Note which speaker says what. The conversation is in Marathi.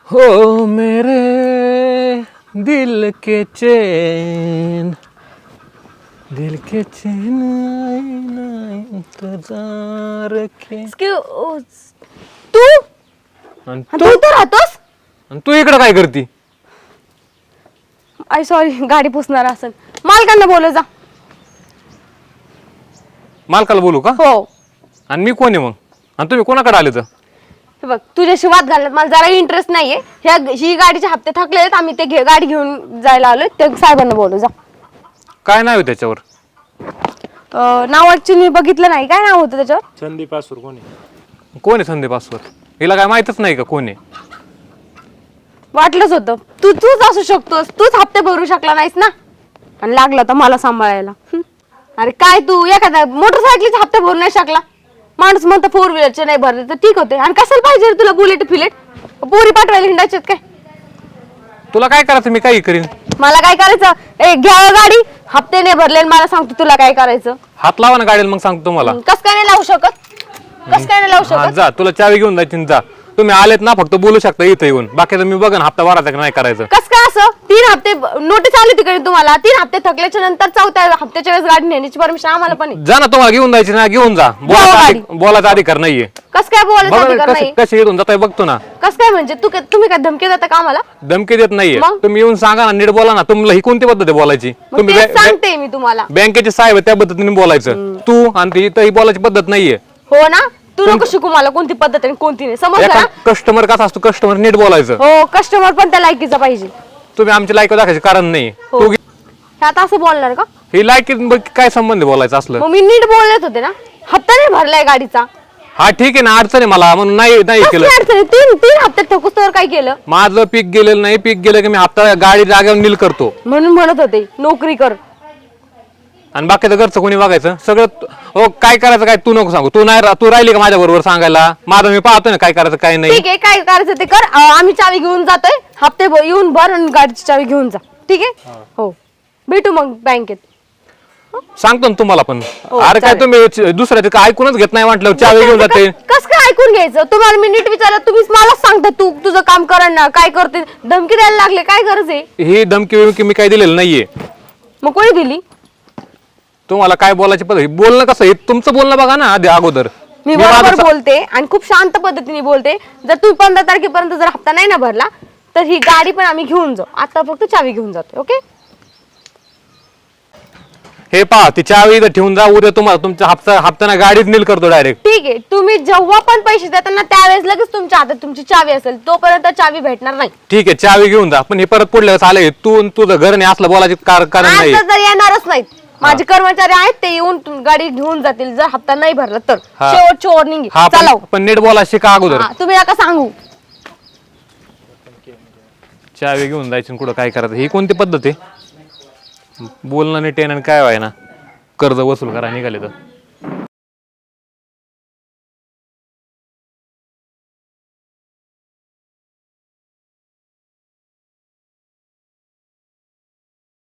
Speaker 1: हो मेरे दिल के चैन आए ना इंतजार के.
Speaker 2: तू
Speaker 1: आणि
Speaker 2: तू इथं राहतोस?
Speaker 1: तू इकडं काय करती?
Speaker 2: आय सॉरी, गाडी पुसणार असेल. मालकांना बोलव जा.
Speaker 1: मालकाला बोलू का?
Speaker 2: हो.
Speaker 1: आणि मी कोण आहे मग? आणि तुम्ही कोणाकडे आले तर?
Speaker 2: हे बघ, तुझ्याशी वाद घालण्यात मला जरा इंटरेस्ट नाहीये. ही गाडीचे हप्ते थकले आहेत, आम्ही ते गाडी घेऊन जायला आलोय. ते साहेबांना बोलव जा.
Speaker 1: काय नाव आहे त्याच्यावर?
Speaker 2: नाव ऍक्च्युली बघितलं नाही. काय नाव होतं त्याच्यावर?
Speaker 3: संदीप आसूर. कोण आहे?
Speaker 1: कोण आहे संदीप आसवर? हिला काय माहितच नाही का कोण आहे?
Speaker 2: वाटलंच होतं. तूच असू शकतोस. तूच हप्ते भरू शकला नाहीस ना, आणि लागला तर मला सांभाळायला. अरे काय तू एखाद्या मोटरसायकलीचे हप्ते भरू नाही शकला? माणूस म्हणतो फोर व्हीलरचे नाही भरले तर ठीक होते. आणि कशाला पाहिजे रे तुला बुलेट फिलेट? पोरी पाठवायला हिंडायचे काय?
Speaker 1: तुला काय करायचं मी काही करीन.
Speaker 2: मला काय करायचं? घ्या गाडी, हप्ते नाही भरले मला सांगतो तुला काय करायचं.
Speaker 1: हात लावा ना गाडीला मग सांगतो तुम्हाला.
Speaker 2: कस काय नाही लावू शकत? कस काय नाही लावू
Speaker 1: हा,
Speaker 2: शकत?
Speaker 1: जा तुला चावी घेऊन जायची जा. तुम्ही आलेत ना फक्त बोलू शकता इथे येऊन. बाकीचं मी बघन हप्ता भरायचा का नाही करायचं.
Speaker 2: कस काय असं? 3 हप्ते नोटीस आली तिकडे तुम्हाला. 3 हप्ते थकल्याच्या नंतर 4थ्या हप्त्याच्या वेळेस गाडी नेण्याची परमिशन आम्हाला पण आहे.
Speaker 1: जा ना, तुम्हाला घेऊन जायची ना घेऊन जा. बोलायचा अधिकार नाहीये.
Speaker 2: कस काय बोलायचं अधिकार नाही?
Speaker 1: कसे येऊन जाताय बघतो ना.
Speaker 2: कस काय म्हणजे? तुम्ही काय धमकी देता का आम्हाला?
Speaker 1: धमकी देत नाहीये.
Speaker 2: मग?
Speaker 1: तुम्ही येऊन सांगा ना, नीट बोला ना. तुम्हाला ही कोणती पद्धत आहे बोलायची?
Speaker 2: मग
Speaker 1: तुम्ही
Speaker 2: तेच सांगते मी तुम्हाला.
Speaker 1: बँकेचे साहेब आहे, त्या पद्धतीने बोलायचं. तू आणि ती बोलायची पद्धत नाहीये.
Speaker 2: हो ना, तू नको शिकू मला कोणती पद्धत आणि कोणती नाही. समजलं ना?
Speaker 1: कस्टमर कसा असतो, कस्टमर नीट बोलायचं.
Speaker 2: हो, कस्टमर पण त्या लायकीचा पाहिजे.
Speaker 1: तुम्ही आमची लायक दाखवायचे कारण नाही.
Speaker 2: हो.
Speaker 1: तू
Speaker 2: हे आता असं बोलणार का?
Speaker 1: ही लायकी काय संबंध आहे बोलायचं असलं?
Speaker 2: मग मी नीट बोलत होते ना. हप्ता नाही भरलाय गाडीचा.
Speaker 1: हा ठीक आहे ना, अडचण आहे मला म्हणून नाही केलं.
Speaker 2: कसली अडचण आहे? 3 हप्ते ठोकूस तर काय केलं?
Speaker 1: माझं पीक गेलेलं नाही. पीक गेलं की मी हप्ता गाडी जागेवर नील करतो.
Speaker 2: म्हणून म्हणत होते नोकरी कर.
Speaker 1: आणि बाकीचं घरचं कोणी बघायचं सगळं. हो, काय करायचं काय तू नको सांगू. तू राहिली का माझ्या बरोबर सांगायला? माझं मी पाहतोय ना काय करायचं काय नाही.
Speaker 2: ठीक आहे, काय करायचं ते कर. आम्ही चावी घेऊन जातोय. हप्ते येऊन भर आणि गाडीची चावी घेऊन जा. ठीक आहे? हो, भेटू मग बँकेत.
Speaker 1: सांगतो ना तुम्हाला पण.
Speaker 2: हो,
Speaker 1: अरे काय
Speaker 2: चालेल.
Speaker 1: तुम्ही दुसऱ्याचं काय ऐकूनच घेत नाही म्हटलं चावी घेऊन जाते.
Speaker 2: कस काय ऐकून घ्यायचं? तुम्हाला मी नीट विचारलं, तुम्हीच मलाच सांगता तू तुझं काम कर ना. काय करते? धमकी द्यायला लागले, काय गरज आहे?
Speaker 1: ही धमकी मी काय दिलेलं नाहीये.
Speaker 2: मग कोणी दिली?
Speaker 1: तुम्हाला काय बोलायची पद्धत, बोलणं कसं आहे तुमचं बोलणं बघा ना आधी अगोदर.
Speaker 2: मी बरोबर बोलते आणि खूप शांत पद्धतीने बोलते. जर तू 15 तारखेपर्यंत जर हप्ता नाही ना भरला तर ही गाडी पण आम्ही घेऊन जाऊ. आता फक्त चावी घेऊन जातो. ओके?
Speaker 1: हे पहा, ती चावी इथं ठेवून जा. उद्या तुम्हाला तुमचा हप्ता गाडीत नील करतो डायरेक्ट.
Speaker 2: ठीक आहे. तुम्ही जेव्हा पण पैसे देता ना त्यावेळेस लगेच तुमच्या हातात तुमची चावी असेल. तोपर्यंत चावी भेटणार नाही.
Speaker 1: ठीक आहे, चावी घेऊन जा. पण हे परत पुढल्या वेळेस आले तू तुझं घर नाही असलं बोलायचे कारण नाही.
Speaker 2: आता जर येणारच नाहीत. माझे कर्मचारी आहेत, ते येऊन गाडी घेऊन जातील जर हप्ता नाही भरला तर. शेवटची वॉर्निंग
Speaker 1: हा,
Speaker 2: चला.
Speaker 1: पण नीट बोला शिका अगोदर.
Speaker 2: तुम्ही नका सांगू.
Speaker 1: चावी घेऊन जायची कुठं काय करायचं? ही कोणती पद्धत आहे? बोलणं नीट आहे आणि काय व्हाय ना कर्ज वसूल करा निघाले तर.